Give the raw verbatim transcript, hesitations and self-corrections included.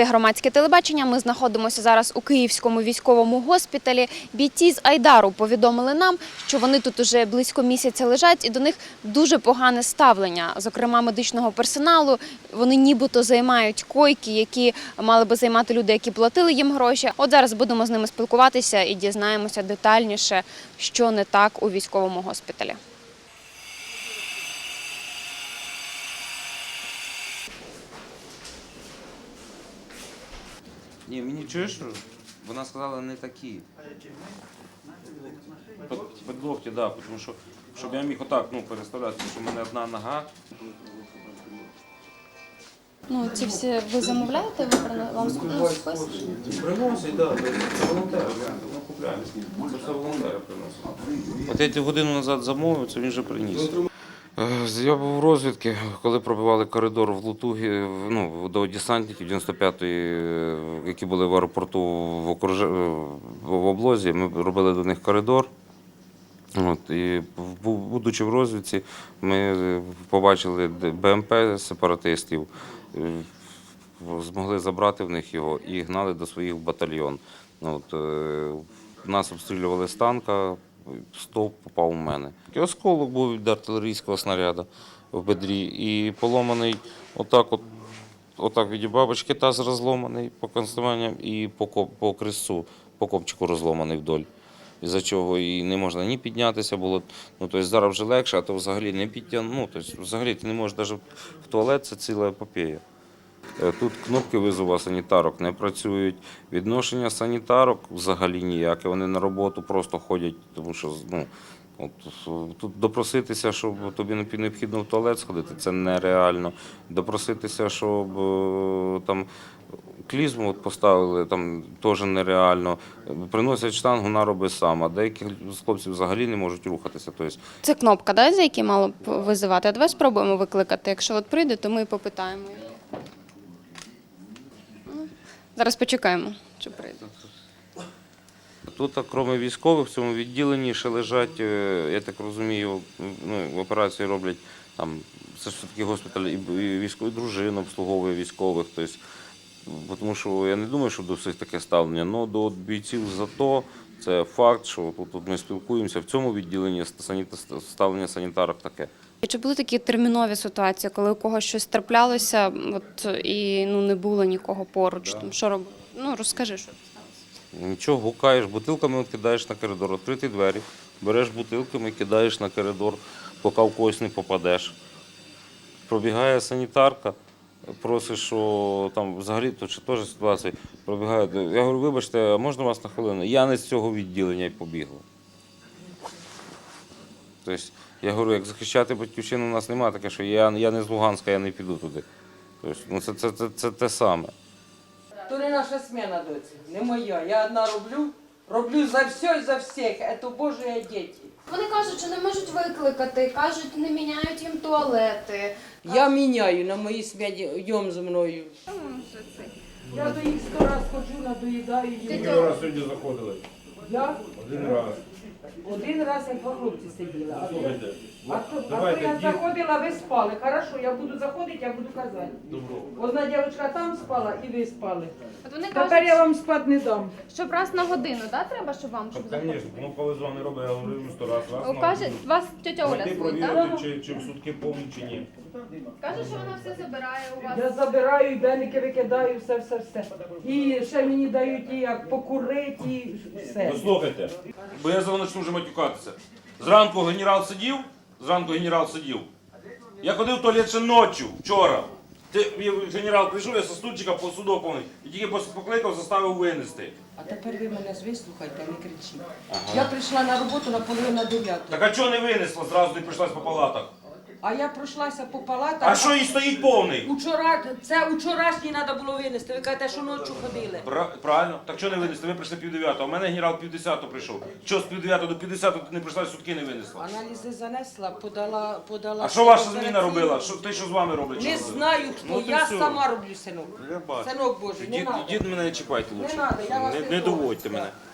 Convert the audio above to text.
Це громадське телебачення. Ми знаходимося зараз у Київському військовому госпіталі. Бійці з Айдару повідомили нам, що вони тут уже близько місяця лежать і до них дуже погане ставлення, зокрема медичного персоналу. Вони нібито займають койки, які мали би займати люди, які платили їм гроші. От зараз будемо з ними спілкуватися і дізнаємося детальніше, що не так у військовому госпіталі. Ні, мені чуєш, вона сказала не такі. Під локті, так, да, тому що, щоб я міг отак, ну, переставляти, що в мене одна нога. Ну, ці всі ви замовляєте, ви вам спис? Приносять, так, це волонтери, ми купляємо. Це все волонтери приносять. От я ті годину назад замовив, це він вже приніс. Я був у розвідки, коли пробивали коридор в Лутугі, ну, до десантників дев'яносто п'ятої, які були в аеропорту в, окруж... в облозі, ми робили до них коридор. От, і, будучи в розвідці, ми побачили БМП сепаратистів, змогли забрати в них його і гнали до своїх в батальйон. От, нас обстрілювали з танка. Стовп попав у мене. Осколок був від артилерійського снаряду в бедрі і поломаний отак от, отак від бабочки таз розломаний по конструюванням і по, по крестцу, по копчику розломаний вдоль. Із-за чого і не можна ні піднятися було. Ну, тобто зараз вже легше, а то взагалі не підтягнути. Ну, тобто взагалі ти не можеш навіть в туалет, це ціла епопея. Тут кнопки визову санітарок не працюють, відношення санітарок взагалі ніяке, вони на роботу просто ходять, тому що ну, от, тут допроситися, щоб тобі необхідно в туалет сходити, це нереально. Допроситися, щоб там клізму от поставили, там теж нереально. Приносять штангу, вона робить сама. Деякі хлопці взагалі не можуть рухатися. Тобто... Це кнопка, да, за яку мало б визивати? А давай спробуємо викликати. Якщо от прийде, то ми попитаємо її. Зараз почекаємо, чи прийде. Тут, крім військових, в цьому відділенні ще лежать, я так розумію, ну, в операції роблять, там, це ж все-таки госпіталь, і військові дружини обслуговує військових. Тобто, тому що я не думаю, що до всіх таке ставлення, але до бійців ЗАТО це факт, що тут, тут ми спілкуємося, в цьому відділенні ставлення санітарок таке. Чи були такі термінові ситуації, коли у когось щось траплялося от, і ну, не було нікого поруч? Там, що робити? Ну, розкажи, що сталося. Нічого, гукаєш, бутилками кидаєш на коридор, відкриті двері, береш бутилками, кидаєш на коридор, поки в когось не попадеш. Пробігає санітарка, просить, що там взагалі то чи теж ситуація, пробігає. Я говорю, вибачте, а можна вас на хвилину? Я не з цього відділення і побігла. Тобто, я говорю, як захищати батьківщину у нас немає таке, що я, я не з Луганська, я не піду туди. Тобто, ну, це, це, це, це те саме. То не наша смена, доці, не моя. Я одна роблю, роблю за все і за всіх. Це Божі діти. Вони кажуть, що не можуть викликати, кажуть, не міняють їм туалети. Я міняю на моїй смені, йдем зі мною. Я до їх сто раз ходжу, надоїдаю їм. Скільки раз сьогодні заходили? Я? Один раз. Один раз як два хлопці сиділи. А то, Слухайте, а то, а то давайте, я дід- заходила, ви спали. Хорошо, я буду заходити, я буду казати. Добро. Одна дівчинка там спала і ви спали. От вони Тепер кажуть, я вам спати не дам. щоб раз на годину, да, треба, щоб вам, щоб Так, звісно, ну коли з вами робить, я говорю сто раз, раз на Каже, годину. вас тетя Оля Зайти звуть, так? провірити, чи, чи в сутки повні, чи ні. Каже, що вона все забирає у вас. Я забираю, і денники викидаю, все, все, все. І ще мені дають і як покурити, і все. Послухайте, бо я зараз почну вже матюкатися. Зранку генерал сидів, зранку генерал сидів. Я ходив в туалет ще ночі, вчора. Ти, генерал прийшов, я со стульчика посудов повний. І тільки покликав, заставив винести. А тепер ви мене вислухайте, не кричіть. Ага. Я прийшла на роботу на половину на дев'яту. Так а чого не винесла, зразу не прийшлась по палатах? А я пройшлася по палатах. А що їй стоїть повний? Учора, це учорашній треба було винести. Ви кажете, що ночі ходили. Пра- Правильно. Так що не винесли? Ви прийшли пів дев'ятого, а в мене генерал пів десятого прийшов. Що з пів дев'ятого до пів десятого ти не прийшла, сутки не винесла? Аналізи занесла, подала, подала. А що ваша операційну. зміна робила? Що те, що з вами роблять? Не що робили? знаю хто, Ну, то я все. сама роблю, синок. Я бачу. Синок Божий, не Дід, треба. дід мене не чіпайте лучше. Не надо, я вас не, не не трогаю. доводьте мене.